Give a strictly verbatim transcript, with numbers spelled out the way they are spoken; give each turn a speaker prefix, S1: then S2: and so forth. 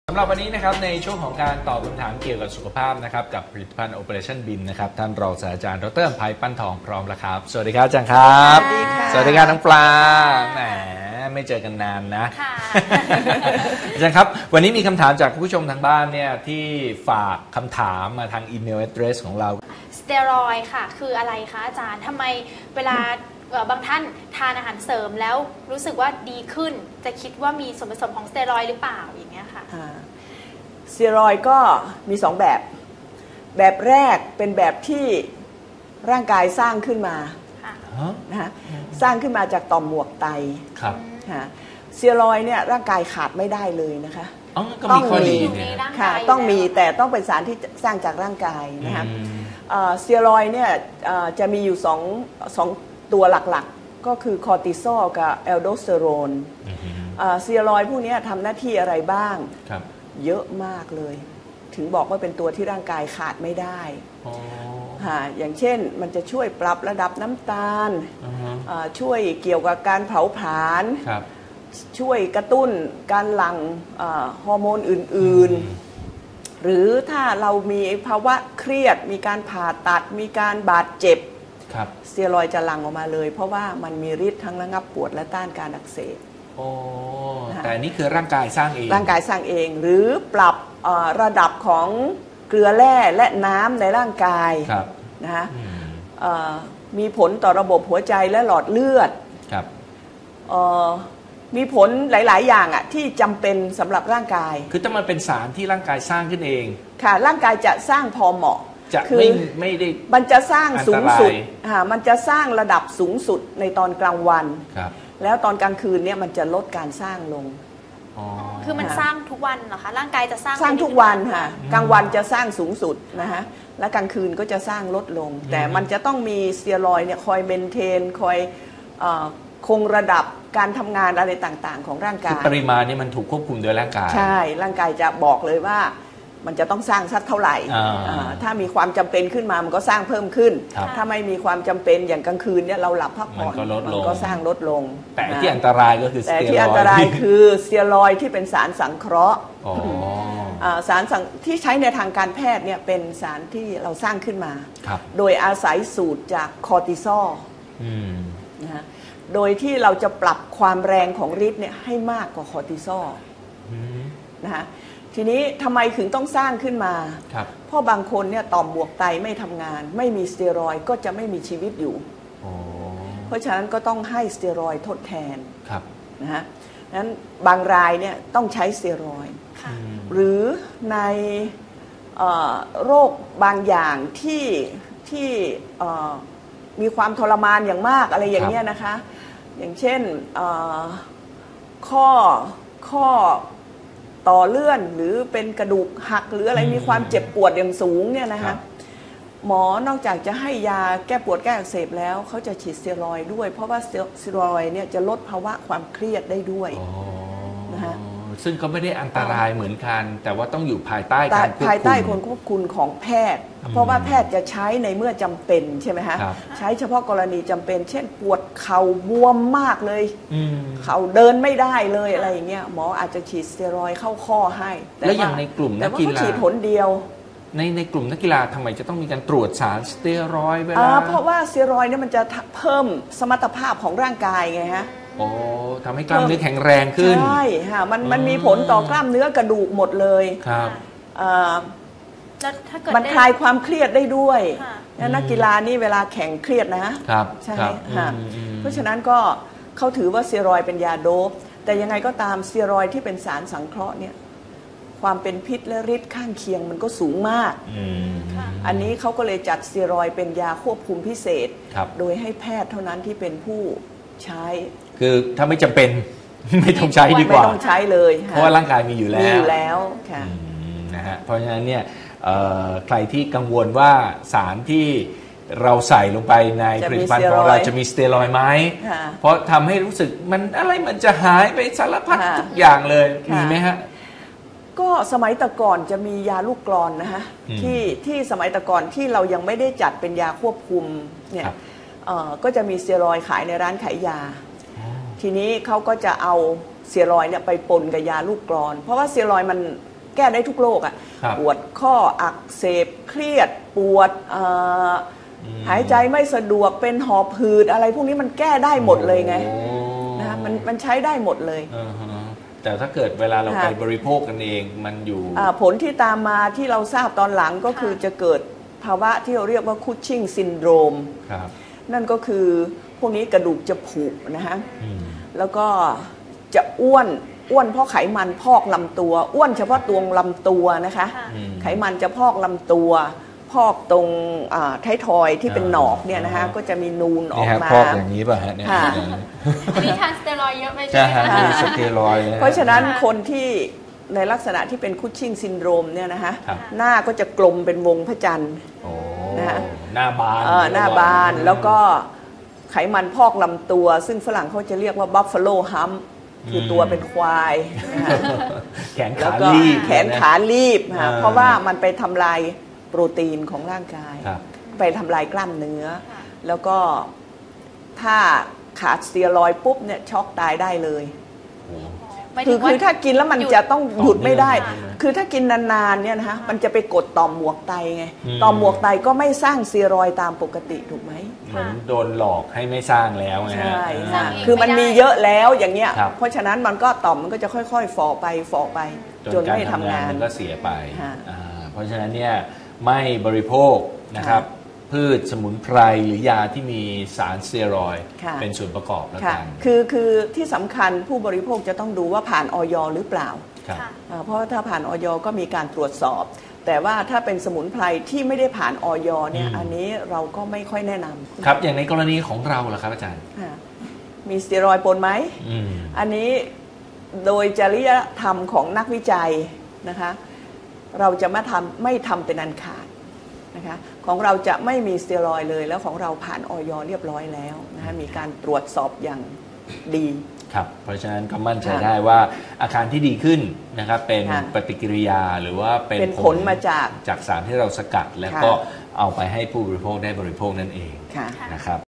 S1: สำหรับวันนี้นะครับในช่วงของการตอบคำถามเกี่ยวกับสุขภาพนะครับกับผลิตภัณฑ์ Operationบี เอ็ม นะครับท่านรองศาสตราจารย์ดร.อำไพปั้นทองพร้อมแล้วครับสวัสดีครับอาจารย์ครับ
S2: สวัสดีค่ะ
S1: สวัสดีครับน้องปลาแหมไม่เจอกันนานนะอาจารย์ครับวันนี้มีคำถามจากผู้ชมทางบ้านเนี่ยที่ฝากคำถามมาทางอีเมล address ของเรา
S2: สเตียรอยด์ค่ะคืออะไรคะอาจารย์ทำไมเวลาบางท่านทานอาหารเสริมแล้วรู้สึกว่าดีขึ้นจะคิดว่ามีส่วนผสมของสเตียรอยด์หรือเปล่าอย่างเงี้ยค่ะ
S3: สเตียรอยด์ก็มีสองแบบแบบแรกเป็นแบบที่ร่างกายสร้างขึ้นมานะฮะสร้างขึ้นมาจากต่อมหมวกไต
S1: ครับ
S3: สเตียรอยด์เนี่ยร่างกายขาดไม่ได้เลยนะคะ
S1: ต้องมี
S3: ค่ะต้องมีแต่ต้องเป็นสารที่สร้างจากร่างกายนะคะสเตียรอยด์เนี่ยจะมีอยู่สองสองตัวหลักๆก็คือคอร์ติซอลกับแอลโดสเตอโรนสเตียรอยด์พวกนี้ทำหน้าที่อะไรบ้างเยอะมากเลยถึงบอกว่าเป็นตัวที่ร่างกายขาดไม่ได้อย่างเช่นมันจะช่วยปรับระดับน้ำตาลช่วยเกี่ยวกับการเผาผลาญช่วยกระตุ้นการหลั่งฮอร์โมนอื่นๆหรือถ้าเรามีภาวะเครียดมีการผ่าตัดมีการบาดเจ็บสเตียรอยด์จะหลั่งออกมาเลยเพราะว่ามันมีฤทธิ์ทั้งระงับปวดและต้านการอักเสบ
S1: โอ้แต่นี่คือร่างกายสร้างเอง
S3: ร่างกายสร้างเองหรือปรับระดับของเกลือแร่และน้ำในร่างกายนะฮะมีผลต่อระบบหัวใจและหลอดเลือดมีผลหลายๆอย่างอ่ะที่จำเป็นสำหรับร่างกาย
S1: คือถ้ามันเป็นสารที่ร่างกายสร้างขึ้นเอง
S3: ค่ะร่างกายจะสร้างพอเหมาะ
S1: จะไม่ไม่ได้
S3: มันจะสร้างสูงสุดมันจะสร้างระดับสูงสุดในตอนกลางวันแล้วตอนกลางคืนเนี่ยมันจะลดการสร้างลง
S2: คือมันสร้างทุกวันเหรอคะร่างกายจะสร้าง
S3: สร้างทุกวันค่ะกลางวันจะสร้างสูงสุดนะฮะและกลางคืนก็จะสร้างลดลงแต่มันจะต้องมีสเตียรอยด์เนี่ยคอยเมนเทนคอยคงระดับการทำงานอะไรต่างๆของร่างกาย
S1: ปริมาณนี่มันถูกควบคุมโดยร่างกาย
S3: ใช่ร่างกายจะบอกเลยว่ามันจะต้องสร้างสักเท่าไหร่ถ้ามีความจำเป็นขึ้นมามันก็สร้างเพิ่มขึ้นถ้าไม่มีความจำเป็นอย่างกลางคืนเนี่ยเราหลับพักผ่อนมันก็สร้างลดลง
S1: แต่ที่อันตรายก็คือ
S3: แต่ที่อันตรายคือสเตียรอยด์ที่เป็นสารสังเคราะห์สารที่ใช้ในทางการแพทย์เนี่ยเป็นสารที่เราสร้างขึ้นมาโดยอาศัยสูตรจากคอร์ติซอลนะฮะโดยที่เราจะปรับความแรงของฤทธิ์เนี่ยให้มากกว่าคอร์ติซอลนะฮะทีนี้ทำไมถึงต้องสร้างขึ้นมาเพราะบางคนเนี่ยต่อมหมวกไตไม่ทำงานไม่มีสเตียรอยด์ก็จะไม่มีชีวิตอยู่เพราะฉะนั้นก็ต้องให้สเตียรอยด์ทดแทนนะฮะนั้นบางรายเนี่ยต้องใช้สเตียรอยด์หรือในโรคบางอย่างที่ที่มีความทรมานอย่างมากอะไรอย่างเงี้ยนะคะอย่างเช่นข้อข้อต่อเลื่อนหรือเป็นกระดูกหักหรืออะไรมีความเจ็บปวดอย่างสูงเนี่ยนะคะหมอนอกจากจะให้ยาแก้ปวดแก้อักเสบแล้วเขาจะฉีดสเตียรอยด์ด้วยเพราะว่าสเตียรอยด์เนี่ยจะลดภาวะความเครียดได้ด้วยนะคะ
S1: ซึ่งก็ไม่ได้อันตรายเหมือนกันแต่ว่าต้องอยู่ภายใต้การควบคุม
S3: ภายใต้คนควบคุมของแพทย์เพราะว่าแพทย์จะใช้ในเมื่อจำเป็นใช่ไหมคะใช้เฉพาะกรณีจำเป็นเช่นปวดเข่าบวมมากเลยเข่าเดินไม่ได้เลยอะไรอย่างเงี้ยหมออาจจะฉีดสเตียรอยด์เข้าข้อให้
S1: แล้วอย่างในกลุ่มนักกีฬา
S3: ฉีดผลเดียว
S1: ในในกลุ่มนักกีฬาทำไมจะต้องมีการตรวจสารสเตียรอยด์เวลา
S3: เพราะว่าสเตียรอยด์เนี่ยมันจะเพิ่มสมรรถภาพของร่างกายไงฮะ
S1: โอ้ทำให้กล้ามเนื้อแข็งแรงขึ้น
S3: ใช่ค่ะมันมันมีผลต่อกล้ามเนื้อกระดูกหมดเลย
S1: ครับ
S3: มันคลายความเครียดได้ด้วยนักกีฬานี่เวลาแข่งเครียดนะครับใช่ค่ะเพราะฉะนั้นก็เขาถือว่าสเตียรอยด์เป็นยาโดปแต่ยังไงก็ตามสเตียรอยด์ที่เป็นสารสังเคราะห์เนี่ยความเป็นพิษและฤทธิ์ข้างเคียงมันก็สูงมากอันนี้เขาก็เลยจัดสเตียรอยด์เป็นยาควบคุมพิเศษโดยให้แพทย์เท่านั้นที่เป็นผู้ใช้
S1: คือถ้าไม่จำเป็นไม่ต้องใช้ดีกว่า
S3: ไม่ต้องใช้เลย
S1: เพราะว่าร่างกายมีอยู่แล้ว
S3: มีอยู่แล้วค่ะ
S1: นะฮะเพราะฉะนั้นเนี่ยใครที่กังวลว่าสารที่เราใส่ลงไปในผลิตภัณฑ์ของเราจะมีสเตียรอยด์ไหมเพราะทำให้รู้สึกมันอะไรมันจะหายไปสารพัดทุกอย่างเลยมีไหมฮะ
S3: ก็สมัยแต่ก่อนจะมียาลูกกลอนนะฮะที่ที่สมัยแต่ก่อนที่เรายังไม่ได้จัดเป็นยาควบคุมเนี่ยก็จะมีสเตียรอยด์ขายในร้านขายยาทีนี้เขาก็จะเอาสเตียรอยด์เนี่ยไปปนกับยาลูกกลอนเพราะว่าสเตียรอยด์มันแก้ได้ทุกโรคอะปวดข้ออักเสบเครียดปวดหายใจไม่สะดวกเป็นหอบหืดอะไรพวกนี้มันแก้ได้หมดเลยไงนะมันมันใช้ได้หมดเลย
S1: แต่ถ้าเกิดเวลาเราไปบริโภคกันเองมันอยู่
S3: ผลที่ตามมาที่เราทราบตอนหลังก็คือจะเกิดภาวะที่เราเรียกว่าคุชชิ่งซินโดรมนั่นก็คือพวกนี้กระดูกจะผุนะฮะแล้วก็จะอ้วนอ้วนเพราะไขมันพอกลำตัวอ้วนเฉพาะตัวลำตัวนะคะไขมันจะพอกลำตัวพอกตรงท้ายทอยที่เป็นหนอกเนี่ยนะคะก็จะมีนูนออกมา
S1: พอกอย่างนี้ป่ะฮะเนี่ย
S2: มีทานสเตียรอยด์เยอะไปใช่ไหมคะ
S1: สเตียรอยด์
S3: เพราะฉะนั้นคนที่ในลักษณะที่เป็นคุชชิ่งซินโดรมเนี่ยนะคะหน้าก็จะกลมเป็นวงพระจันทร์
S1: นะคะหน้าบาน
S3: หน้าบานแล้วก็ไขมันพอกลำตัวซึ่งฝรั่งเขาจะเรียกว่าบัฟฟาโลฮัมคือตัวเป็นควาย
S1: แขนขาลีบ
S3: แขนขาลีบเพราะว่ามันไปทำลายโปรตีนของร่างกายไปทำลายกล้ามเนื้อแล้วก็ถ้าขาดสเตียรอยด์ปุ๊บเนี่ยช็อกตายได้เลยคือคือถ้ากินแล้วมันจะต้องหยุดไม่ได้คือถ้ากินนานๆเนี่ยนะคะมันจะไปกดต่อมหมวกไตไงต่อมหมวกไตก็ไม่สร้างสเตียรอยด์ตามปกติถูกไหม
S1: เหมือนโดนหลอกให้ไม่สร้างแล้วไง
S3: ใช่คือมันมีเยอะแล้วอย่างเงี้ยเพราะฉะนั้นมันก็ต่อมมันก็จะค่อยๆฝ่อไปฝ่อไปจนไม่ทำงาน
S1: มันก็เสียไปเพราะฉะนั้นเนี่ยไม่บริโภคนะครับพืชสมุนไพรหรือยาที่มีสารสเตียรอยด์เป็นส่วนประกอบแล้วกัน
S3: คือคือที่สำคัญผู้บริโภคจะต้องดูว่าผ่านอย.หรือเปล่าเพราะถ้าผ่านอย.ก็มีการตรวจสอบแต่ว่าถ้าเป็นสมุนไพรที่ไม่ได้ผ่านอย.เนี่ยอันนี้เราก็ไม่ค่อยแนะนำ
S1: ครับอย่างในกรณีของเราล่ะครับอาจารย์
S3: มีสเตียรอยด์ปนไหมอันนี้โดยจริยธรรมของนักวิจัยนะคะเราจะไม่ทำไม่ทำเป็นอันขาดนะคะของเราจะไม่มีสเตียรอยด์เลยแล้วของเราผ่านอย.เรียบร้อยแล้วนะคะมีการตรวจสอบอย่างดี
S1: ครับเพราะฉะนั้นก็มั่นใจได้ว่าอาการที่ดีขึ้นนะครับเป็นปฏิกิริยาหรือว่า
S3: เป็นผลมาจาก
S1: จากสารที่เราสกัดแล้วก็เอาไปให้ผู้บริโภคได้บริโภคนั่นเองนะครับ